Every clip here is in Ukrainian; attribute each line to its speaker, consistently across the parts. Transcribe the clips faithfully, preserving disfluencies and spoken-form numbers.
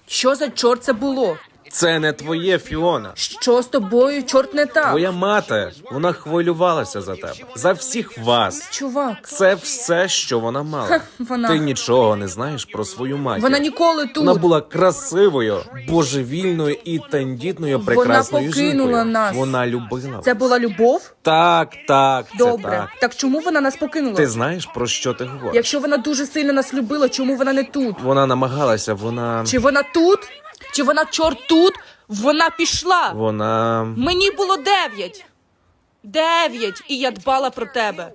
Speaker 1: Що за чорт це було?
Speaker 2: Це не твоє, Фіона.
Speaker 1: Що з тобою, чорт, не так?
Speaker 2: Твоя мати, вона хвилювалася за тебе. За всіх вас.
Speaker 1: Чувак,
Speaker 2: Це все, що вона мала.
Speaker 1: вона...
Speaker 2: Ти нічого не знаєш про свою матір.
Speaker 1: Вона ніколи тут.
Speaker 2: Вона була красивою, божевільною і тендітною прекрасною
Speaker 1: покинула
Speaker 2: жінкою.
Speaker 1: нас.
Speaker 2: Вона любила
Speaker 1: Це
Speaker 2: вас.
Speaker 1: була любов?
Speaker 2: Так, так, це
Speaker 1: Добре.
Speaker 2: так.
Speaker 1: Так чому вона нас покинула?
Speaker 2: Ти знаєш, про що ти говориш?
Speaker 1: Якщо вона дуже сильно нас любила, чому вона не тут?
Speaker 2: Вона намагалася, вона...
Speaker 1: Чи вона тут? Чи вона, чорт, тут? Вона пішла.
Speaker 2: Вона...
Speaker 1: Мені було дев'ять. Дев'ять. І я дбала про тебе.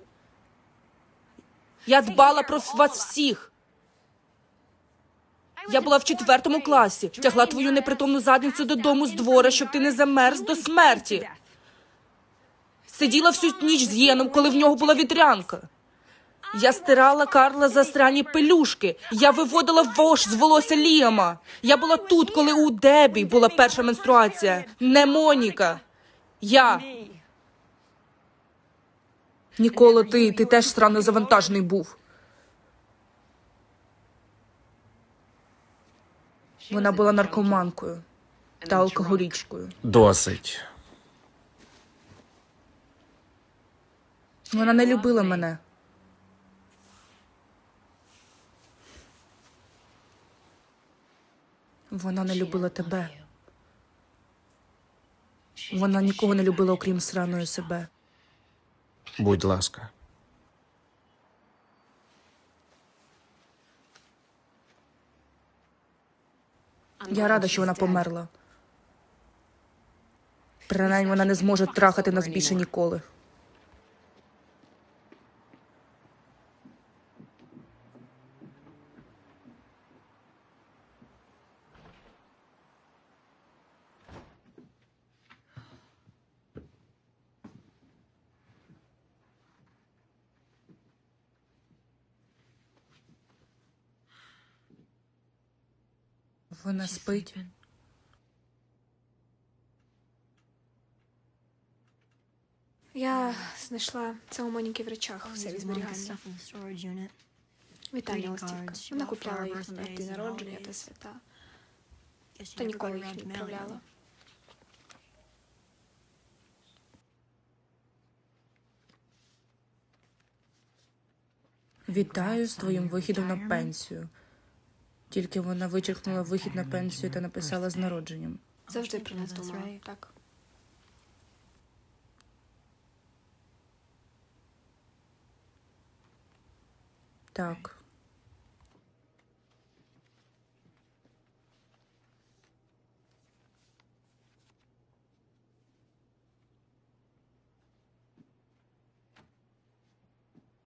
Speaker 1: Я дбала про вас всіх. Я була в четвертому класі. Тягла твою непритомну задницю додому з двора, щоб ти не замерз до смерті. Сиділа всю ніч з Єном, коли в нього була вітрянка. Я стирала Карла засрані пелюшки. Я виводила вошь з волосся Ліама. Я була тут, коли у Дебі була перша менструація. Не Моніка. Я. Ніколи ти, ти теж странно завантажений був. Вона була наркоманкою та алкоголічкою.
Speaker 2: Досить.
Speaker 1: Вона не любила мене. Вона не любила тебе. Вона нікого не любила, окрім сраної себе.
Speaker 2: Будь ласка.
Speaker 1: Я рада, що вона померла. Принаймні, вона не зможе трахати нас більше ніколи. Вона спить.
Speaker 3: Я знайшла це у Моніки в речах в серії зберігання. Вітальна листівка. Вона купляла їх на день народження та свята. Та ніколи їх не відправляла.
Speaker 1: Вітаю з твоїм вихідом на пенсію. Тільки вона вичеркнула вихід на пенсію та написала з народженням.
Speaker 3: Завжди про нас думала, так?
Speaker 1: Так.